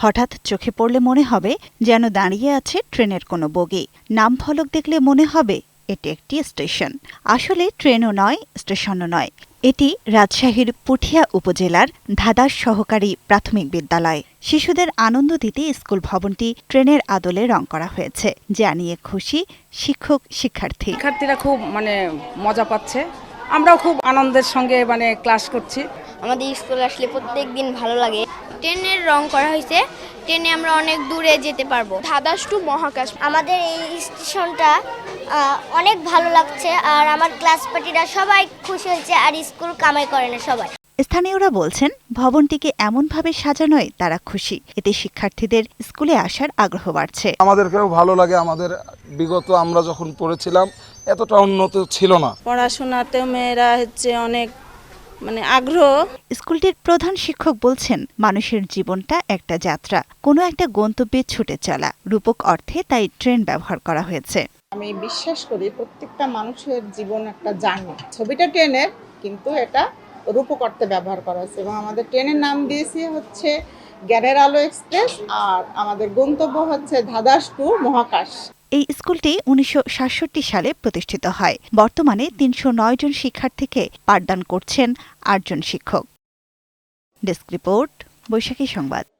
হঠাৎ চোখে পড়লে মনে হবে যেন দাঁড়িয়ে আছে ট্রেনের কোনো বগি। নাম ফলক দেখলে মনে হবে এটি একটি স্টেশন। আসলে ট্রেনও নয়, স্টেশনও নয়। এটি রাজশাহীর পুঠিয়া উপজেলার ধাদাস সহকারী প্রাথমিক বিদ্যালয়। শিশুদের আনন্দ দিতে স্কুল ভবনটি ট্রেনের আদলে রং করা হয়েছে, যা নিয়ে খুশি শিক্ষক শিক্ষার্থী। শিক্ষার্থীরা খুব মজা পাচ্ছে, আমরাও খুব আনন্দের সঙ্গে ক্লাস করছি। আমাদের স্কুলে আসলে প্রত্যেক দিন ভালো লাগে। ট্রেনের রং করা হয়েছে, ট্রেনে আমরা অনেক দূরে যেতে পারবো। ধাদাস টু মহাকাশ। আমাদের এই স্টেশনটা অনেক ভালো লাগছে, আর আমার ক্লাস পার্টিরা সবাই খুশি হয়েছে, আর স্কুল কামাই করে না সবাই। স্থানীয়রা বলছেন, ভবনটিকে এমনভাবে সাজানোয় তারা খুশি। এতে শিক্ষার্থীদের স্কুলে আসার আগ্রহ বাড়ছে। আমাদেরকেও ভালো লাগে। আমাদের বিগত আমরা যখন পড়েছিলাম এতটা উন্নত ছিল না। পড়াশোনাতেও মেয়েরা অনেক আগ্রহ। স্কুলটির প্রধান শিক্ষক বলছেন, মানুষের জীবনটা একটা যাত্রা, কোনো একটা গন্তব্যে ছুটে চলা। রূপক অর্থে তাই ট্রেন ব্যবহার করা হয়েছে। আমি বিশ্বাস করি প্রত্যেকটা মানুষের জীবন একটা জার্নি। ছবিটা ট্রেনের, কিন্তু এটা রূপক অর্থে ব্যবহার করা হয়েছে, এবং আমাদের ট্রেনের নাম দিয়েছি হচ্ছে জ্ঞানের আলো এক্সপ্রেস, আর আমাদের গন্তব্য হচ্ছে ধাদাস টু মহাকাশ। এই স্কুলটি ১৯৬৭ সালে প্রতিষ্ঠিত হয়। বর্তমানে ৩০৯ জন শিক্ষার্থীকে পাঠদান করছেন ৮ জন শিক্ষক। ডেস্ক রিপোর্ট, বৈশাখী সংবাদ।